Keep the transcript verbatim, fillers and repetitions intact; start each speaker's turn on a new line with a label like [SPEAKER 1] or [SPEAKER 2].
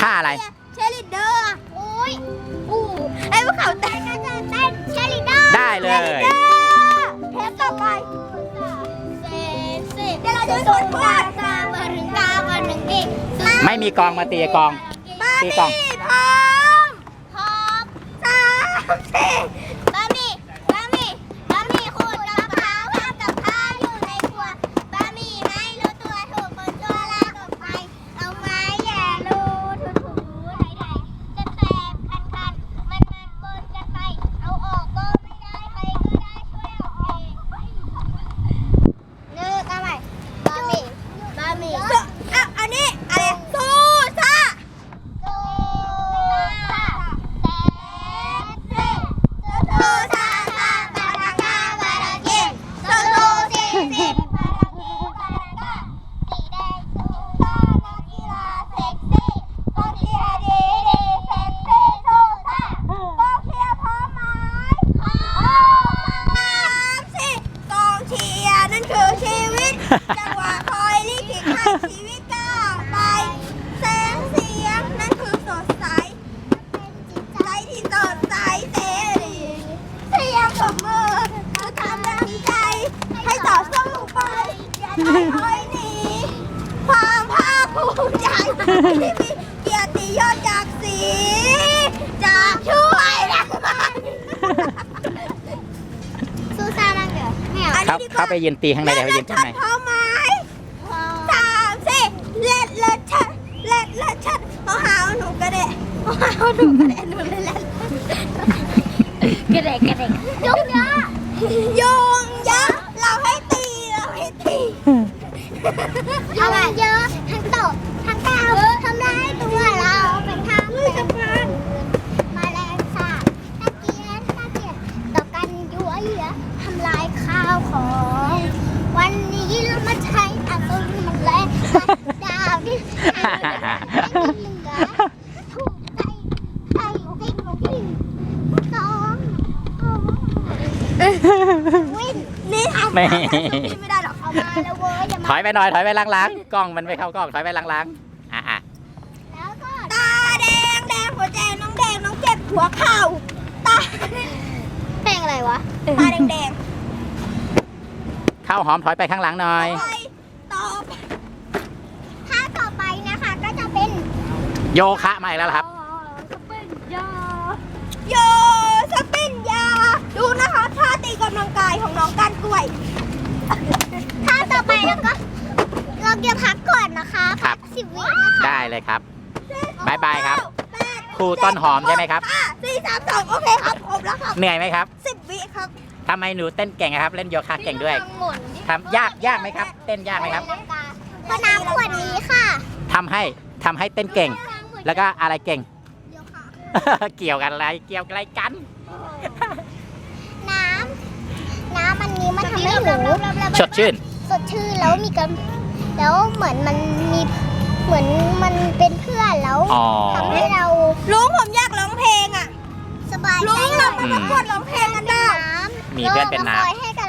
[SPEAKER 1] ท่าอะไร
[SPEAKER 2] เชลิเดอร์โอ้ยอู้ไอ้พวกเขาเต้นก็จะเต้นเชลิเดอร์
[SPEAKER 1] ได้เลย
[SPEAKER 2] เทปต่อไปเซเซเดี๋ยวเราจะสวดกาซามาถึงกามาถึงอีก
[SPEAKER 1] ไม่มีกองมาตีกองตีกอง
[SPEAKER 2] พร้อมพร้อมสามสี่บะหมี่บะหมี่บะหมี่ขูดกะเพราทำกับข้าวอยู่ในครัวบะหมี่ไม่รู้ตัวถูกคนตัวลากออกไปเอาไม้แย่รูถูถูไถไถจะแตกคันคันมันมันบนกันไปเอาออกก็ไม่ได้ใครก็ได้ช่วยออกเองนึกเอาใหม่บะหมี่บะหมี่อ่ะอันนี้อะไรซูซ่าซูซ่าเต้ซูซ่าซาบาราคาบาราเกมซูซูซีซีบาราคีบาราคาสีแดงซูซ่านักกีฬาเซ็กซี่กองเชียร์ดีดีเซ็กซี่ซูซ่ากองเชียร์พร้อมไหมพร้อมสามสี่กองเชียร์นั่นคือชีวิตจังหวะคอยลิขิตให้ชีวิตก้าวไปแสงเสียงนั่นคือสดใสใจที่สดใสเสรีเสียงปรบมือคือทำแรงใจให้ต่อสู้ไปอย่าได้ถอยหนีความภาคภูมิใจที่มีเกียรติยศจากสีจากช่วยรักมันสู้ซ่านั่งเดี๋ยวไม่เอา
[SPEAKER 1] เขาเขาไปยืนตีข้างในเดี๋ยวเขายืนข้างใน
[SPEAKER 2] พร้อมไหมสามสี่เล็ดเล็ดชัดเล็ดเล็ดชัดเอาหาวหนูกระเดะเอาหาวหนูกระเดะหนูเล็ดเล็ดกระเดะกระเดะยงยะยงยะเราให้ตีเราให้ตียงเยอะทั้งตบทั้งก้าวทำร้ายตัวเราเป็นทางเป็นมาแรงสาบตะเกียนตะเกียนต่อกันยั่วเยื้อทำลายข้าวของวันนี้เรามาใช้อาวุธมันแรงดาวที่เหลือถูกใจใจวิ่งวิ่งสองวิ่งนี่ทำไม่ได้หรอกเอามาแล้วเว้ย
[SPEAKER 1] ถอยไปหน่อยถอยไปล้างๆกล้องมันไม่เข้ากล้องถอยไปล้างๆอ่ะอ่ะ
[SPEAKER 2] แล้วก็ตาแดงแดงหัวใจน้องแดงน้องเจ็บหัวเข่าตาแดงอะไรวะตาแดงแดง
[SPEAKER 1] ข้าวหอมถอยไปข้างหลังหน่อย
[SPEAKER 2] ต่อถ้าต่อไปนะคะก็จะเป็น
[SPEAKER 1] โยคะมาอีกแล้วครับ
[SPEAKER 2] สปินยาโยสปินยาดูนะคะท่าตีกำลังกายของน้องก้านกล้วยถ้าต่อไปแล้วก็เราจะพักก่อนนะคะ
[SPEAKER 1] ครับ
[SPEAKER 2] สิบวินะคะ
[SPEAKER 1] ได้เลยครับบายบายครับครูต้นหอมใช่ไหมครับ
[SPEAKER 2] สี่สามสองโอเคครับครบแล้วครับ
[SPEAKER 1] เหนื่อยไหมครับ
[SPEAKER 2] สิบวิครับ
[SPEAKER 1] ทำไมหนูเต้นเก่งครับเล่นโยคะเก่งด้วยทำยากยากไหมครับเต้นยากไหมครับ
[SPEAKER 2] ก็น้ำขวดนี้ค่ะ
[SPEAKER 1] ทำให้ทำให้เต้นเก่งแล้วก็อะไรเก่งเกี่ยวกันอะไรเกี่ยวอะไรกัน
[SPEAKER 2] น้ำน้ำมันนี้มันทำให้หนู
[SPEAKER 1] สดชื่น
[SPEAKER 2] สดชื่นแล้วมีกันแล้วเหมือนมันมีเหมือนมันเป็นเพื่อนแล้วทำให้เราลุงผมอยากร้องเพลงอ่ะสบายใจลุงเรามาประกวดร้องเพลงกันได้
[SPEAKER 1] มีเพื่อนเป็นน้ำ
[SPEAKER 2] ให้